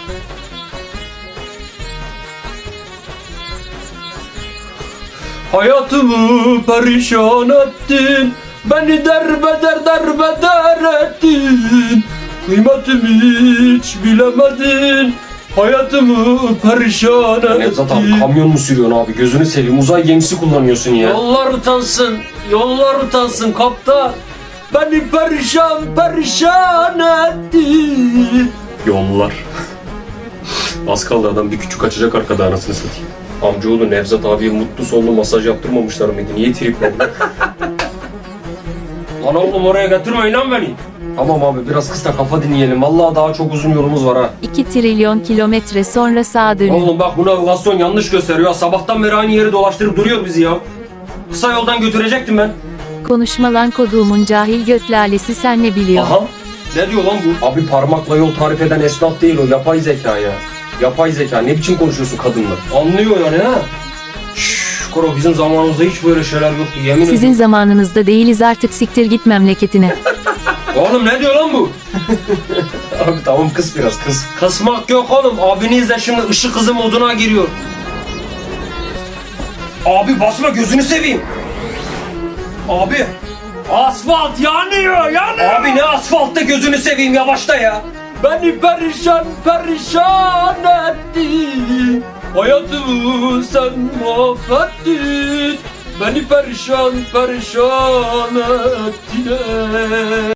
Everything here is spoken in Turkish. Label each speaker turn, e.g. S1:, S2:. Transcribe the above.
S1: Hayatımı perişan ettin, beni derbeder ettin. Kıymetimi hiç bilemedin, hayatımı perişan ettin.
S2: Nevzat abi kamyon mu sürüyorsun abi? Gözünü seveyim, uzay gemisi kullanıyorsun ya.
S1: Yollar utansın kaptan. Beni perişan ettin.
S2: Yollar. Az kaldı adam bir küçük açacak arkada, anasını satayım. Amcaoğlu Nevzat abiye mutlu sonlu masaj yaptırmamışlar mıydı? Niye tripledi?
S1: Lan oğlum oraya götürmeyin lan beni.
S2: Tamam abi biraz kısa kafa dinleyelim. Vallahi daha çok uzun yolumuz var ha.
S3: 2 trilyon kilometre sonra sağa dönün.
S1: Oğlum bak bu navigasyon yanlış gösteriyor. Sabahtan beri aynı yeri dolaştırıp duruyor bizi ya. Kısa yoldan götürecektim ben.
S3: Konuşma lan koduğumun cahil göt lalesi, sen ne biliyorsun?
S1: Aha. Ne diyor lan bu?
S2: Abi parmakla yol tarif eden esnaf değil o, yapay zeka ya. Yapay zeka, ne biçim konuşuyorsun kadınla?
S1: Anlıyor yani ha. Şşş Koro, bizim zamanımızda hiç böyle şeyler yoktu yemin
S3: Sizin
S1: ediyorum.
S3: zamanınızda değiliz artık, siktir git memleketine.
S1: Oğlum ne diyor lan bu?
S2: Abi tamam kız biraz kız.
S1: Kısmak yok oğlum. Abiniz de şimdi ışık hızı moduna giriyor. Abi basma, gözünü seveyim. Abi. Asfalt yanıyor. Abi ne asfaltta, gözünü seveyim, yavaşla ya. Beni perişan ettin. Hayatımı sen mahvettin. Beni perişan ettin.